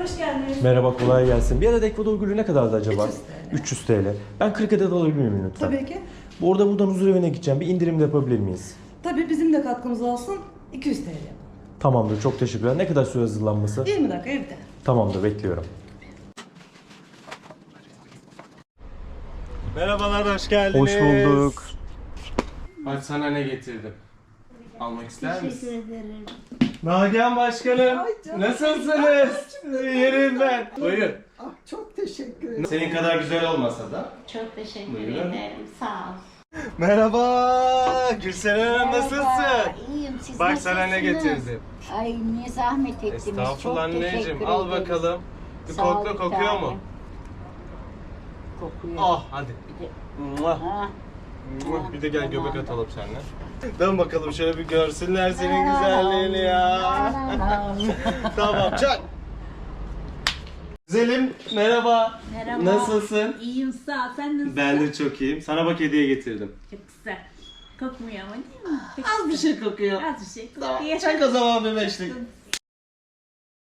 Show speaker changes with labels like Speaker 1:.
Speaker 1: hoş geldiniz.
Speaker 2: Merhaba, kolay gelsin. Bir adet Ekvador gülü ne kadardı acaba?
Speaker 1: 300 TL.
Speaker 2: 300 TL. Ben 40 adet alabilir miyim lütfen?
Speaker 1: Tabii ki.
Speaker 2: Buradan huzur evine gideceğim. Bir indirim de yapabilir miyiz?
Speaker 1: Tabii bizim de katkımız olsun. 200 TL.
Speaker 2: Tamamdır, çok teşekkürler. Ne kadar süre hazırlanması?
Speaker 1: 20 dakika evde.
Speaker 2: Tamamdır, bekliyorum.
Speaker 3: Merhabalar, hoş geldiniz.
Speaker 2: Hoş bulduk.
Speaker 3: Bak sana ne getirdim. Almak ister misin?
Speaker 4: Teşekkür ederim.
Speaker 3: Nagihan Başkanım, nasılsınız? Yerim ben. Buyurun.
Speaker 5: Ah, çok teşekkür ederim.
Speaker 3: Senin kadar güzel olmasa da.
Speaker 4: Çok teşekkür
Speaker 3: Buyurun.
Speaker 4: ederim. Sağ ol.
Speaker 3: Merhaba, Gülseren Hanım nasılsın?
Speaker 4: İyiyim. Siz
Speaker 3: Bak sana ne
Speaker 4: nasılsınız?
Speaker 3: getirdim.
Speaker 4: Ay ne zahmet ettiniz.
Speaker 3: Estağfurullah
Speaker 4: Çok teşekkür
Speaker 3: anneciğim, al
Speaker 4: ederiz.
Speaker 3: bakalım. Bir
Speaker 4: Sağ ol,
Speaker 3: kokla,
Speaker 4: bir
Speaker 3: kokuyor
Speaker 4: tanem.
Speaker 3: mu?
Speaker 4: Kokuyor.
Speaker 3: Ah, hadi.
Speaker 4: Bir de-
Speaker 3: Muah.
Speaker 4: Ha,
Speaker 3: Muah. Bir de gel göbek
Speaker 4: Tamam.
Speaker 3: atalım seninle. Dön bakalım şöyle bir görsünler senin güzelliğini ya. Tamam, çak. Güzelim, merhaba.
Speaker 6: Merhaba.
Speaker 3: Nasılsın?
Speaker 6: İyiyim sağ ol. Sen nasılsın?
Speaker 3: Ben de çok iyiyim. Sana bak hediye getirdim.
Speaker 6: Çok güzel. Kokmuyor ama değil mi? Peki.
Speaker 3: Az bir şey kokuyor.
Speaker 6: Az bir şey kokuyor.
Speaker 3: Tamam, çak o zaman bir beşlik.